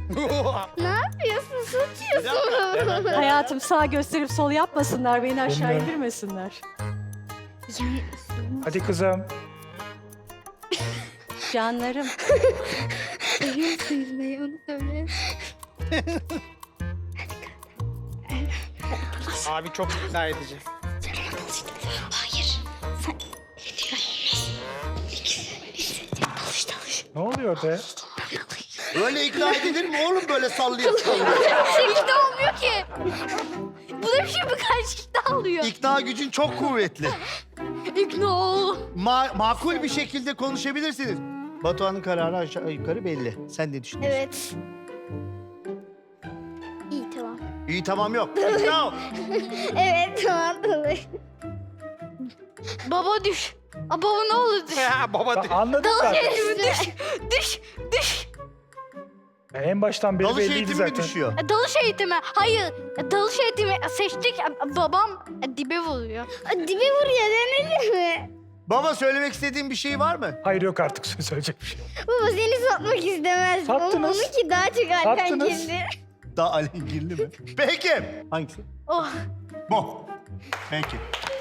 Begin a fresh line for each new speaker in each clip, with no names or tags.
Ne yapıyorsun? Satıyorsun.
Hayatım sağ gösterip sol yapmasınlar, beni aşağı
Bilmiyorum.
indirmesinler.
Hadi kızım.
Canlarım.
Seviyorsun yüzmeyi, onu söyle.
Abi çok ikna edici.
Hayır. Sen...
Ne oluyor orada ya?
Öyle ikna edilir mi oğlum böyle sallıyor sallıyor?
Şekilde olmuyor ki. Bu da bir şey mi karşılıkta alıyor?
İkna gücün çok kuvvetli.
İkna ol.
Makul bir şekilde konuşabilirsiniz. Batuhan'ın kararı aşağı yukarı belli. Sen ne düşünüyorsun?
Evet. İyi tamam.
İyi tamam yok. İkna ol.
Evet tamam. Baba düş. Aa, baba ne olur düş.
Ya baba
Ben anladım zaten.
Düş. Düş. Düş.
Ya en baştan beri
Dalış
belliydi
eğitimi mi
zaten.
düşüyor?
Dalış eğitimi. Hayır. Dalış eğitimi seçtik. Babam dibe vuruyor. Dibe vuruyor denedin mi?
Baba söylemek istediğin bir şey var mı?
Hayır yok artık söyleyecek bir şey yok.
Baba seni satmak istemez.
Sattınız.
Onunki daha çok
Sattınız.
alengirli.
Daha alengirli mi? Peki. Hangisi?
Oh.
Bu. Peki.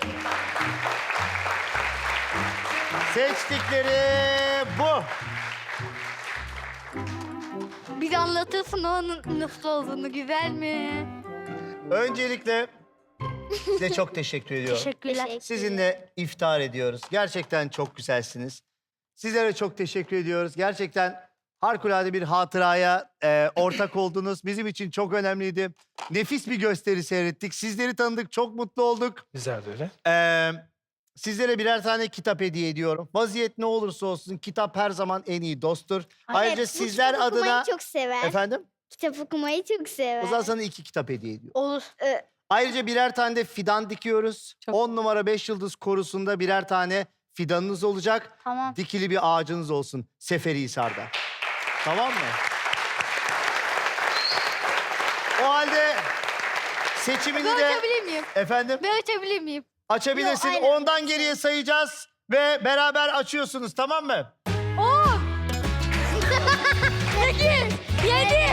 Seçtikleri bu.
Bir de anlatırsın onun nasıl olduğunu, güzel mi?
Öncelikle size çok teşekkür ediyorum.
Teşekkürler.
Sizinle iftar ediyoruz. Gerçekten çok güzelsiniz. Sizlere çok teşekkür ediyoruz. Gerçekten harikulade bir hatıraya ortak oldunuz. Bizim için çok önemliydi. Nefis bir gösteri seyrettik. Sizleri tanıdık, çok mutlu olduk.
Bizler de öyle.
Sizlere birer tane kitap hediye ediyorum. Vaziyet ne olursa olsun kitap her zaman en iyi dosttur. Ayrıca
Evet, bu
sizler
kitap
adına...
okumayı çok sever.
Efendim?
Kitap okumayı çok sever.
O zaman sana 2 kitap hediye ediyorum.
Olur.
Ayrıca birer tane de fidan dikiyoruz.
Çok-
10 numara 5 yıldız korusunda birer tane fidanınız olacak.
Tamam.
Dikili bir ağacınız olsun Seferihisar'da. Tamam mı? O halde seçimini
Ben
de...
açabilir miyim?
Efendim?
Ben açabilir miyim?
Açabilirsin.
Yo, aynen.
Ondan geriye sayacağız ve beraber açıyorsunuz, tamam mı?
8, 7,